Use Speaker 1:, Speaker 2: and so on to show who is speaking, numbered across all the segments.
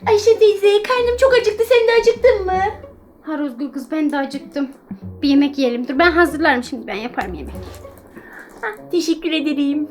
Speaker 1: Ayşe teyze, karnım çok acıktı. Sen de acıktın mı?
Speaker 2: Ha Rozgül kız, ben de acıktım. Bir yemek yiyelim. Dur, ben hazırlarım şimdi, ben yaparım yemek.
Speaker 1: Teşekkür ederim.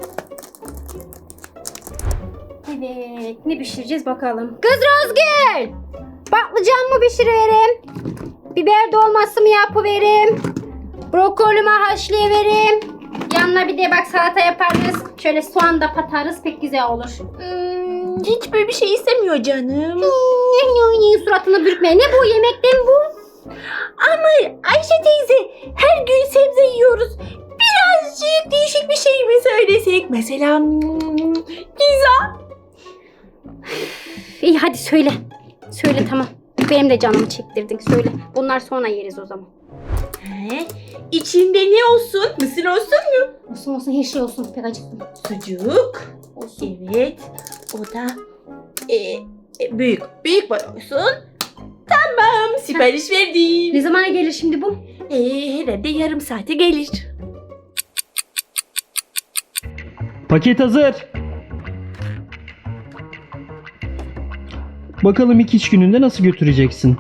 Speaker 2: Evet, ne pişireceğiz bakalım. Kız Rozgül! Patlıcan mı pişiriverim? Biber dolması mı yapıverim? Brokoli mi haşlayıverim? Yanına bir de bak salata yaparız. Şöyle soğan da patarız, pek güzel olur.
Speaker 1: Hiç böyle bir şey istemiyor canım.
Speaker 2: Suratını bürkme. Ne bu, yemekten bu?
Speaker 1: Ama Ayşe teyze, her gün sebze yiyoruz. Birazcık değişik bir şey mi söylesek? Mesela pizza.
Speaker 2: İyi hadi söyle. Söyle tamam. Benim de canımı çektirdin, söyle. Bunlar sonra yeriz o zaman.
Speaker 1: İçinde ne olsun? Mısır olsun mu?
Speaker 2: Olsun olsun, her şey olsun. Pek acıktım.
Speaker 1: Sucuk.
Speaker 2: Olsun.
Speaker 1: Evet. O da büyük boy olsun. Tamam. Sipariş verdim.
Speaker 2: Ne zamana gelir şimdi bu?
Speaker 1: Herhalde yarım saate gelir.
Speaker 3: Paket hazır. Bakalım ilk iş gününde nasıl götüreceksin?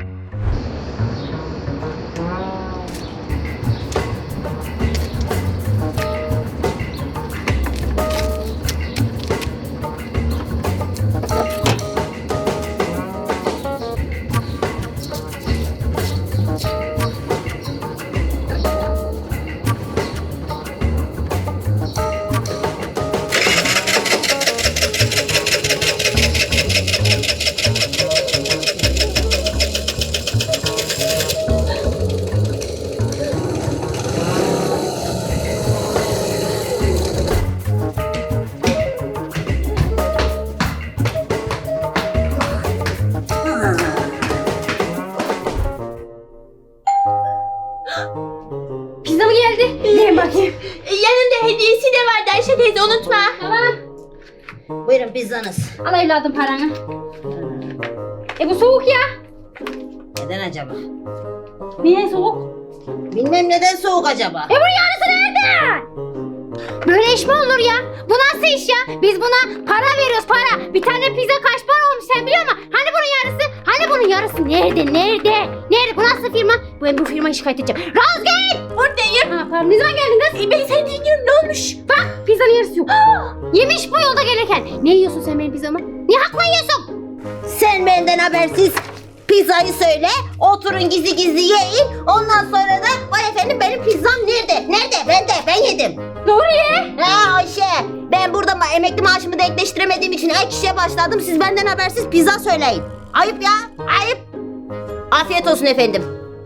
Speaker 2: Pizza mı geldi? Gelin bakayım.
Speaker 1: Yanında hediyesi de vardı Ayşe teyze, unutma.
Speaker 2: Tamam.
Speaker 4: Buyurun pizzanız.
Speaker 2: Al evladım paranı. Bu soğuk ya.
Speaker 4: Neden acaba?
Speaker 2: Niye soğuk?
Speaker 4: Bilmem neden soğuk acaba.
Speaker 2: Bunun yarısı nerede? Böyle iş mi olur ya? Bu nasıl iş ya? Biz buna para veriyoruz, para. Bir tane pizza kaç para olmuş sen biliyor musun? Hani bunun yarısı? Hani bunun yarısı? Nerede? Nerede? Bu nasıl firma? Ben bu firmayı şikayet edeceğim. Rozgül!
Speaker 1: Buradayım.
Speaker 2: Ha, pardon. Ne zaman geldin kız?
Speaker 1: Ben seni dinliyorum, ne olmuş?
Speaker 2: Bak pizzanın yarısı yok. Yemiş bu yolda gelirken. Ne yiyorsun sen benim pizzamı? Niye hakla yiyorsun?
Speaker 4: Sen benden habersiz pizzayı söyle. Oturun gizli gizli yiyin. Ondan sonra da vay efendim benim pizzam nerede? Nerede? Ben yedim.
Speaker 2: Nuriye!
Speaker 4: Ha Ayşe, ben burada emekli maaşımı denkleştiremediğim için ek işe başladım. Siz benden habersiz pizza söyleyin. Ayıp ya, ayıp. Afiyet olsun efendim.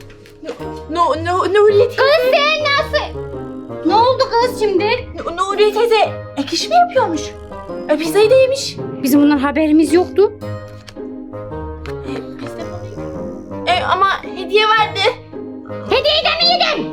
Speaker 1: Nuriye
Speaker 2: Kız
Speaker 1: teyze.
Speaker 2: sen nasıl? Ne oldu kız şimdi?
Speaker 1: Nuriye teyze ek iş mi yapıyormuş? Pizzayı da yemiş.
Speaker 2: Bizim bundan haberimiz yoktu.
Speaker 1: Ama hediye vardı.
Speaker 2: Hediyeyi de mi yedin?